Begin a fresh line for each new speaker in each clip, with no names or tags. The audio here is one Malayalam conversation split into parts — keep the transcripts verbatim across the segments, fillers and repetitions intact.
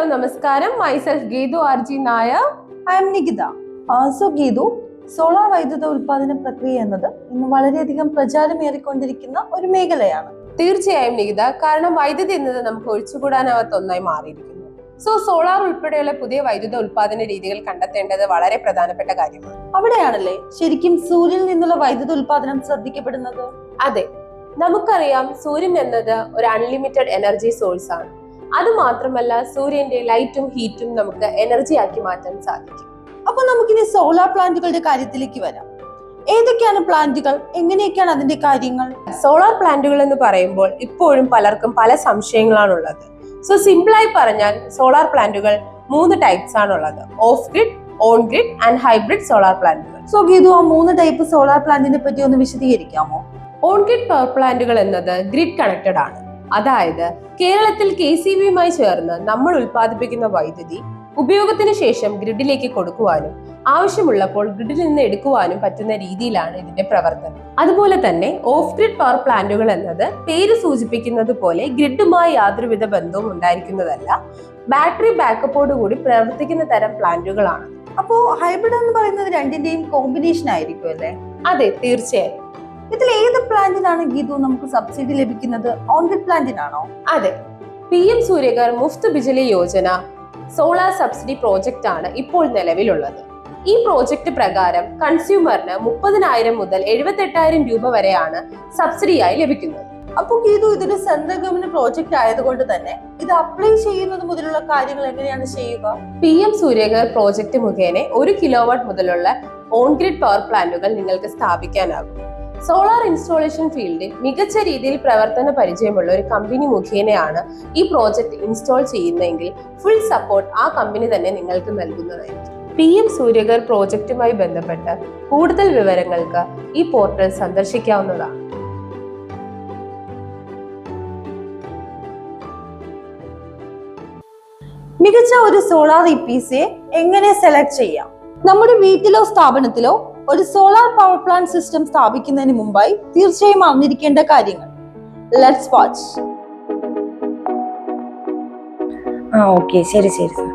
നമസ്കാരം. Myself Geetu R G Nair.
I am Nikita. Uh, so Geetu, solar വൈദ്യുത ഉൽപാദന പ്രക്രിയ എന്നത് ഇന്ന് വളരെയധികം പ്രചാരമേറിക്കൊണ്ടിരിക്കുന്ന ഒരു മേഖലയാണ്.
തീർച്ചയായും നികിത, കാരണം വൈദ്യുതി എന്നത് നമുക്ക് ഒഴിച്ചുകൂടാനാവാത്ത ഒന്നായി മാറിയിരിക്കുന്നു. സോ സോളാർ ഉൾപ്പെടെയുള്ള പുതിയ വൈദ്യുത ഉൽപാദന രീതികൾ കണ്ടെത്തേണ്ടത് വളരെ പ്രധാനപ്പെട്ട കാര്യമാണ്.
അവിടെയാണല്ലേ ശരിക്കും സൂര്യനിൽ നിന്നുള്ള വൈദ്യുത ഉൽപാദനം ശ്രദ്ധിക്കപ്പെടുന്നത്?
അതെ, നമുക്കറിയാം സൂര്യൻ എന്നത് ഒരു അൺലിമിറ്റഡ് എനർജി സോഴ്സ് ആണ്. അത് മാത്രമല്ല, സൂര്യന്റെ ലൈറ്റും ഹീറ്റും നമുക്ക് എനർജി ആക്കി മാറ്റാൻ സാധിക്കും.
അപ്പൊ നമുക്കിനി സോളാർ പ്ലാന്റുകളുടെ കാര്യത്തിലേക്ക് വരാം. ഏതൊക്കെയാണ് പ്ലാന്റുകൾ, എങ്ങനെയൊക്കെയാണ് അതിന്റെ കാര്യങ്ങൾ?
സോളാർ പ്ലാന്റുകൾ എന്ന് പറയുമ്പോൾ ഇപ്പോഴും പലർക്കും പല സംശയങ്ങളാണുള്ളത്. സോ സിമ്പിളായി പറഞ്ഞാൽ സോളാർ പ്ലാന്റുകൾ മൂന്ന് ടൈപ്സ് ആണുള്ളത്: off grid, on grid and hybrid solar പ്ലാന്റുകൾ.
സോ ഗീതു, ആ മൂന്ന് ടൈപ്പ് സോളാർ പ്ലാന്റിനെ പറ്റി ഒന്ന് വിശദീകരിക്കാമോ?
ഓൺ ഗ്രിഡ് പവർ പ്ലാന്റുകൾ എന്നത് ഗ്രിഡ് കണക്റ്റഡ് ആണ്. അതായത് കേരളത്തിൽ കെ സി ബിയുമായി ചേർന്ന് നമ്മൾ ഉൽപ്പാദിപ്പിക്കുന്ന വൈദ്യുതി ഉപയോഗത്തിന് ശേഷം ഗ്രിഡിലേക്ക് കൊടുക്കുവാനും ആവശ്യമുള്ളപ്പോൾ ഗ്രിഡിൽ നിന്ന് എടുക്കുവാനും പറ്റുന്ന രീതിയിലാണ് ഇതിന്റെ പ്രവർത്തനം. അതുപോലെ തന്നെ ഓഫ് ഗ്രിഡ് പവർ പ്ലാന്റുകൾ എന്നത് പേര് സൂചിപ്പിക്കുന്നത് പോലെ ഗ്രിഡുമായി യാതൊരുവിധ ബന്ധവും ഉണ്ടായിരിക്കുന്നതല്ല, ബാറ്ററി ബാക്കപ്പോട് കൂടി പ്രവർത്തിക്കുന്ന തരം പ്ലാന്റുകളാണ്.
അപ്പോ ഹൈബ്രിഡ് എന്ന് പറയുന്നത് രണ്ടിന്റെയും കോമ്പിനേഷൻ ആയിരിക്കും അല്ലേ?
അതെ, തീർച്ചയായും.
ഇതിൽ ഏത് പ്ലാന്റിനാണ് ഗീതു നമുക്ക് സബ്സിഡി ലഭിക്കുന്നത്? ഓൺ ഗ്രിഡ് പ്ലാന്റിനാണോ?
അതെ, P M Suryaghar Muft Bijli Yojana solar subsidy project ആണ് ഇപ്പോൾ നിലവിലുള്ളത്. ഈ പ്രോജക്റ്റ് പ്രകാരം കൺസ്യൂമറിന് മുപ്പതിനായിരം മുതൽ എഴുപത്തി എട്ടായിരം രൂപ വരെയാണ് സബ്സിഡിയായി ലഭിക്കുന്നത്.
അപ്പൊ ഗീതു, ഇതൊരു സെൻട്രൽ ഗവൺമെന്റ് പ്രോജക്റ്റ് ആയതുകൊണ്ട് തന്നെ ഇത് അപ്ലൈ ചെയ്യുന്നത് മുതലുള്ള കാര്യങ്ങൾ എങ്ങനെയാണ് ചെയ്യുക?
പി എം സൂര്യഘർ പ്രോജക്റ്റ് മുഖേന ഒരു കിലോവാട്ട് മുതലുള്ള ഓൺ ഗ്രിഡ് പവർ പ്ലാന്റുകൾ നിങ്ങൾക്ക് സ്ഥാപിക്കാനാകും. സോളാർ ഇൻസ്റ്റാളേഷൻ ഫീൽഡിൽ മികച്ച രീതിയിൽ പ്രവർത്തന പരിചയമുള്ള ഒരു കമ്പനി മുഖേനയാണ് ഈ പ്രോജക്റ്റ് ഇൻസ്റ്റാൾ ചെയ്യുന്നതെങ്കിൽ ഫുൾ സപ്പോർട്ട് ആ കമ്പനി തന്നെ നിങ്ങൾക്ക് നൽകുന്നതായിരിക്കും. പി എം സൂര്യഘർ പ്രോജക്റ്റുമായി ബന്ധപ്പെട്ട കൂടുതൽ വിവരങ്ങൾക്ക് ഈ പോർട്ടൽ സന്ദർശിക്കാവുന്നതാണ്.
മികച്ച ഒരു സോളാർ ഇ പി സിയെ എങ്ങനെ സെലക്ട് ചെയ്യാം? നമ്മുടെ വീട്ടിലോ സ്ഥാപനത്തിലോ ഒരു സോളാർ പവർ പ്ലാന്റ് സിസ്റ്റം സ്ഥാപിക്കുന്നതിന് മുമ്പായി തീർച്ചയായും അറിഞ്ഞിരിക്കേണ്ട കാര്യങ്ങൾ. Let's watch.
ആ ഓക്കെ, ശരി ശരി sir.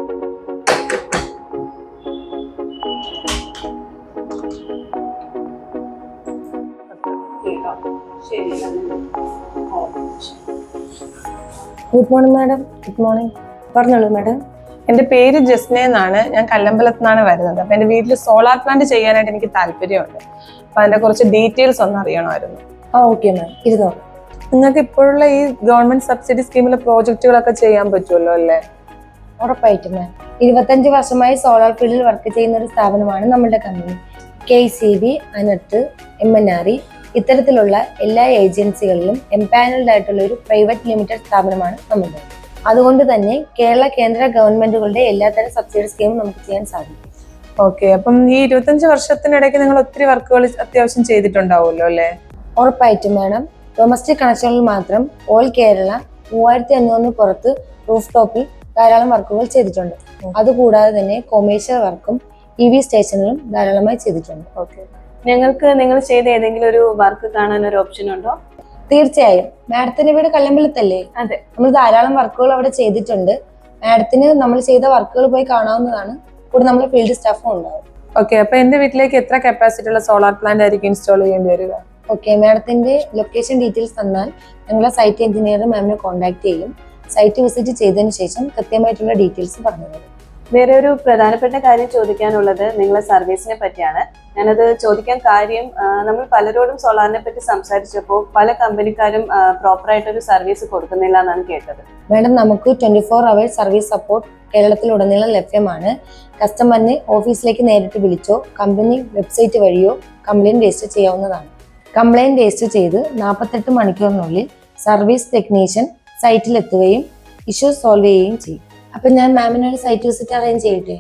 Good morning madam. Good morning. പറഞ്ഞോളൂ മാഡം.
എന്റെ പേര് ജസ്ന എന്നാണ്. ഞാൻ കല്ലമ്പലത്ത് നിന്നാണ് വരുന്നത്. അപ്പൊ എന്റെ വീട്ടിൽ സോളാർ പ്ലാന്റ് ചെയ്യാനായിട്ട് എനിക്ക് താല്പര്യമുണ്ട്. അപ്പൊ അതിന്റെ കുറച്ച് ഡീറ്റെയിൽസ് ഒന്ന് അറിയണമായിരുന്നു.
ആ ഓക്കെ മാം, ഇരുന്നോ.
നിങ്ങൾക്ക് ഇപ്പോഴുള്ള ഈ ഗവൺമെന്റ് സബ്സിഡി സ്കീമിലെ പ്രോജക്റ്റുകളൊക്കെ ചെയ്യാൻ പറ്റുമല്ലോ അല്ലേ?
ഉറപ്പായിട്ടും മാം. ഇരുപത്തഞ്ച് വർഷമായി സോളാർ ഫീൽഡിൽ വർക്ക് ചെയ്യുന്ന ഒരു സ്ഥാപനമാണ് നമ്മുടെ company. K C B, ANERT, M N R E ഇത്തരത്തിലുള്ള എല്ലാ ഏജൻസികളിലും എംപാനൽഡ് ആയിട്ടുള്ള ഒരു പ്രൈവറ്റ് ലിമിറ്റഡ് സ്ഥാപനമാണ് നമ്മുടെ. അതുകൊണ്ട് തന്നെ കേരള കേന്ദ്ര ഗവൺമെന്റുകളുടെ എല്ലാത്തരം സബ്സിഡി സ്കീമും നമുക്ക് ചെയ്യാൻ സാധിക്കും.
ഓക്കെ, അപ്പം ഈ ഇരുപത്തഞ്ച് വർഷത്തിനിടയ്ക്ക് നിങ്ങൾ ഒത്തിരി വർക്കുകൾ അത്യാവശ്യം ചെയ്തിട്ടുണ്ടാവുമല്ലോ അല്ലേ?
ഉറപ്പായിട്ടും മാഡം. ഡൊമസ്റ്റിക് കണക്ഷനിൽ മാത്രം ഓൾ കേരള മൂവായിരത്തി അഞ്ഞൂറിന് പുറത്ത് റൂഫ് ടോപ്പിൽ ധാരാളം വർക്കുകൾ ചെയ്തിട്ടുണ്ട്. അതുകൂടാതെ തന്നെ കൊമേഴ്ഷ്യൽ വർക്കും ഇ വി സ്റ്റേഷനിലും ധാരാളമായി ചെയ്തിട്ടുണ്ട്.
ഓക്കെ, ഞങ്ങൾക്ക് നിങ്ങൾ ചെയ്ത ഏതെങ്കിലും ഒരു വർക്ക് കാണാൻ ഒരു ഓപ്ഷൻ ഉണ്ടോ?
തീർച്ചയായും. മാഡത്തിന്റെ വീട് കല്ലമ്പലത്തല്ലേ?
അതെ.
നമ്മൾ ധാരാളം വർക്കുകൾ അവിടെ ചെയ്തിട്ടുണ്ട്. മാഡത്തിന് നമ്മൾ ചെയ്ത വർക്കുകൾ പോയി കാണാവുന്നതാണ്. കൂടെ നമ്മുടെ ഫീൽഡ് സ്റ്റാഫും ഉണ്ടാവും.
ഓക്കെ, അപ്പൊ എന്റെ വീട്ടിലേക്ക് എത്ര കപ്പാസിറ്റി ഉള്ള സോളാർ പ്ലാന്റ് ആയിരിക്കും ഇൻസ്റ്റാൾ ചെയ്യേണ്ടി വരിക?
ഓക്കെ, മാഡത്തിന്റെ ലൊക്കേഷൻ ഡീറ്റെയിൽസ് തന്നാൽ ഞങ്ങളെ സൈറ്റ് എഞ്ചിനീയർ മാമിനെ കോൺടാക്ട് ചെയ്യും. സൈറ്റ് വിസിറ്റ് ചെയ്തതിനു ശേഷം കൃത്യമായിട്ടുള്ള ഡീറ്റെയിൽസ് പറഞ്ഞു തരും.
വേറെ ഒരു പ്രധാനപ്പെട്ട കാര്യം ചോദിക്കാനുള്ളത് നിങ്ങളെ സർവീസിനെ പറ്റിയാണ്. ഞാനത് ചോദിക്കാൻ കാര്യം, നമ്മൾ പലരോടും സോളാറിനെ പറ്റി സംസാരിച്ചപ്പോൾ പല കമ്പനിക്കാരും പ്രോപ്പറായിട്ടൊരു സർവീസ് കൊടുക്കുന്നില്ല എന്നാണ് കേട്ടത്.
മാഡം, നമുക്ക് twenty four hours service support കേരളത്തിലുടനീളം ലഭ്യമാണ്. കസ്റ്റമറിനെ ഓഫീസിലേക്ക് നേരിട്ട് വിളിച്ചോ കമ്പനി വെബ്സൈറ്റ് വഴിയോ കംപ്ലയിന്റ് രജിസ്റ്റർ ചെയ്യാവുന്നതാണ്. കംപ്ലയിന്റ് രജിസ്റ്റർ ചെയ്ത് നാൽപ്പത്തെട്ട് മണിക്കൂറിനുള്ളിൽ സർവീസ് ടെക്നീഷ്യൻ സൈറ്റിൽ എത്തുകയും ഇഷ്യൂ സോൾവ് ചെയ്യുകയും ചെയ്യും. അപ്പൊ ഞാൻ മാമിനൊരു സൈറ്റ് വിസിറ്റ് അറേഞ്ച് ചെയ്യട്ടെ?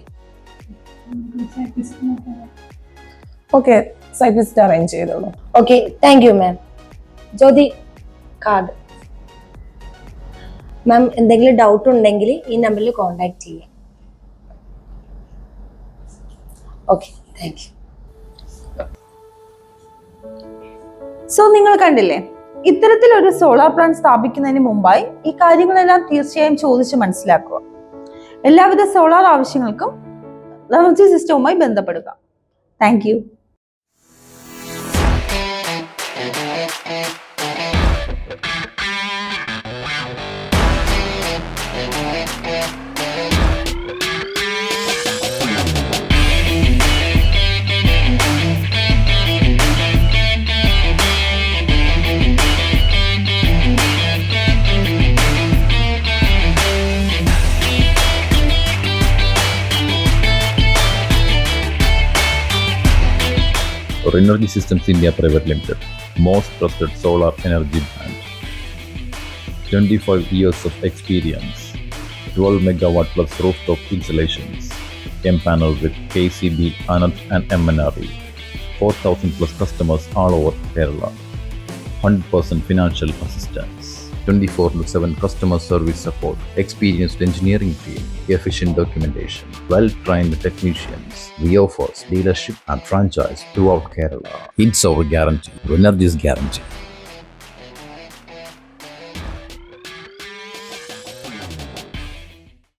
ഓക്കെ, സൈറ്റ് വിസിറ്റ് അറേഞ്ച് ചെയ്തോളൂ.
Okay, thank you ma'am. Jyothi, card. Ma'am, എന്തെങ്കിലും ഡൗട്ട് ഉണ്ടെങ്കിൽ ഈ നമ്പറിൽ കോൺടാക്ട് ചെയ്യാം. Okay, thank U.
സോ നിങ്ങൾ കണ്ടില്ലേ, ഇത്തരത്തിലൊരു സോളാർ പ്ലാന്റ് സ്ഥാപിക്കുന്നതിന് മുമ്പായി ഈ കാര്യങ്ങളെല്ലാം തീർച്ചയായും ചോദിച്ച് മനസ്സിലാക്കുക. എല്ലാവിധ സോളാർ ആവശ്യങ്ങൾക്കും എനർജി സിസ്റ്റവുമായി ബന്ധപ്പെടുക. Thank you.
Energy Systems India Private Limited, most trusted solar energy brand. twenty-five years of experience, twelve megawatt plus rooftop installations, empaneled with K C B, Anand and M N R E, four thousand plus customers all over Kerala, one hundred percent financial assistance, twenty-four by seven customer service support, experienced engineering team, efficient documentation, well-trained technicians. We offer dealership and franchise throughout Kerala. It's our guarantee. Energy's guarantee.